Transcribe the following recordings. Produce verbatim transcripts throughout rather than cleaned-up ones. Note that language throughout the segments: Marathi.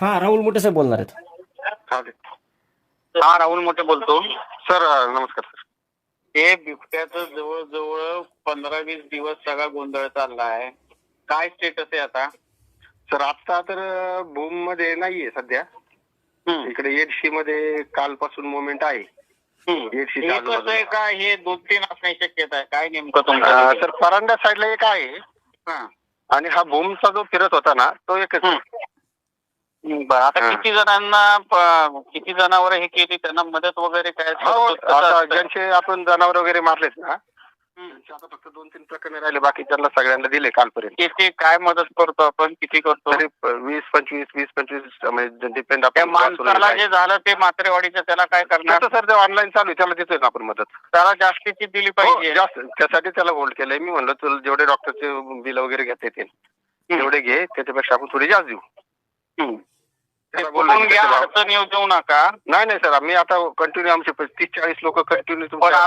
हा राहुल मोठे साहेब बोलणार आहेत. चालेल. हा राहुल मोठे बोलतो. सर नमस्कार सर. हे बिबट्याचं जवळजवळ पंधरा वीस दिवस सगळा गोंधळ चालला आहे. काय स्टेटस आहे आता? सर आता तर भूम मध्ये नाहीये सध्या. इकडे एडशी मध्ये कालपासून मुवमेंट आहे. एडशी कसं आहे का हे दोन तीन असण्याची शक्यता आहे. काय नेमकं तुमचं? सर परांडा साईडला एक आहे आणि हा भूमचा जो फिरत होता ना तो एकच. बरं आता किती जणांना किती जनावर हे केली त्यांना मदत वगैरे काय? आता ज्यांचे आपण जनावर वगैरे मारलेत ना आता फक्त दोन तीन प्रकरण राहिले, बाकी त्यांना सगळ्यांना दिले कालपर्यंत. किती काय मदत करतो आपण? किती करतो? तरी वीस पंचवीस वीस पंचवीस म्हणजे डिपेंड. माणसाला जे झालं ते मात्रेवाडीचं त्याला काय करणार? सर ते ऑनलाईन चालू आहे त्याला देतोय ना आपण मदत. त्याला जास्तीची दिली पाहिजे. जास्त त्यासाठी त्याला होल्ड केलंय. मी म्हणलं तुला जेवढे डॉक्टरचे बिल वगैरे घेता येतील तेवढे घे, त्याच्यापेक्षा आपण थोडी जास्त देऊ. अडचण येऊ देऊ नका. नाही नाही सर आम्ही आता कंटिन्यू आमचे तीस चाळीस लोक कंटिन्यू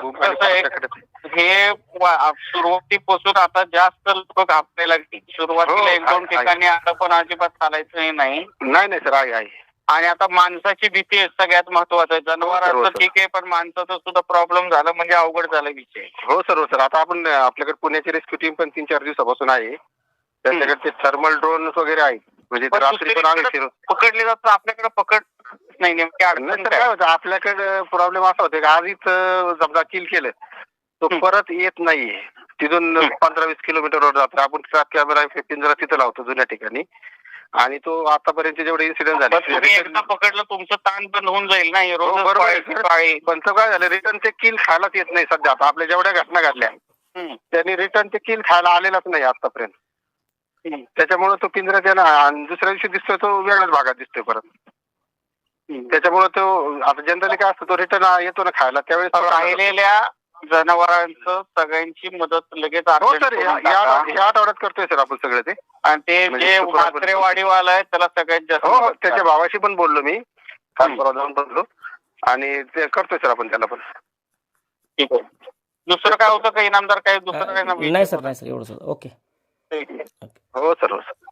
हे सुरुवातीपासून आता जास्त लोक घाबरायला लागली. सुरुवातीला एक दोन ठिकाणी आता पण अजिबात चालायचं नाही. नाही नाही सर आहे आहे. आणि आता माणसाची भीती आहे सगळ्यात महत्वाचं. जनावरांचं ठीक आहे पण माणसाचा सुद्धा प्रॉब्लेम झाला म्हणजे अवघड झाला विषय. हो सर हो सर. आता आपण आपल्याकडे पुण्याची रेस्क्यू टीम पण तीन चार दिवसापासून आहे. त्यांच्याकडे ते थर्मल ड्रोन वगैरे आहेत. म्हणजे रात्री पण आम्ही पकडले जातात. आपल्याकडे पकड नाही नेमकी अडचण काय होतं? आपल्याकडे प्रॉब्लेम असा होता की आधीच समजा किल केलं तो परत येत नाहीये. तिथून पंधरा वीस किलोमीटरवर जातो. आपण ट्रॅप कॅमेरा पिंजरा तिथे लावतो जुन्या ठिकाणी आणि तो आतापर्यंत जेवढे इन्सिडेंट झाले एकदा पकडलं तुमचं ताण पण होऊन जाईल ना. बरोबर. पण काय झालं रिटर्न ते किल खायलाच येत नाही सध्या. आता आपल्या जेवढ्या घटना घडल्या त्यांनी रिटर्न ते किल खायला आलेलाच नाही आतापर्यंत. त्याच्यामुळे तो पिंजरा द्या ना आणि दुसऱ्या दिवशी दिसतोय तो वेगळ्याच भागात दिसतोय परत. त्याच्यामुळे तो आता जनरली काय असतं तो रिटर्न येतो ना खायला त्यावेळेस राहिलेल्या जनावरांचं सगळ्यांची मदत लगेच. हो सर ह्या आठवड्यात करतोय सर आपण सगळं ते. आणि ते जे मात्रेवाडीवाला आहे त्याला सगळ्यात जास्त. हो त्याच्या भावाशी पण बोललो मी काल परवा जाऊन बोललो आणि ते करतोय सर आपण त्याला पण. ठीक आहे. दुसरं काय होतं का इनामदार? काय दुसरं काय? नाही सर नाही सर एवढंच. ओके. हो सर हो सर.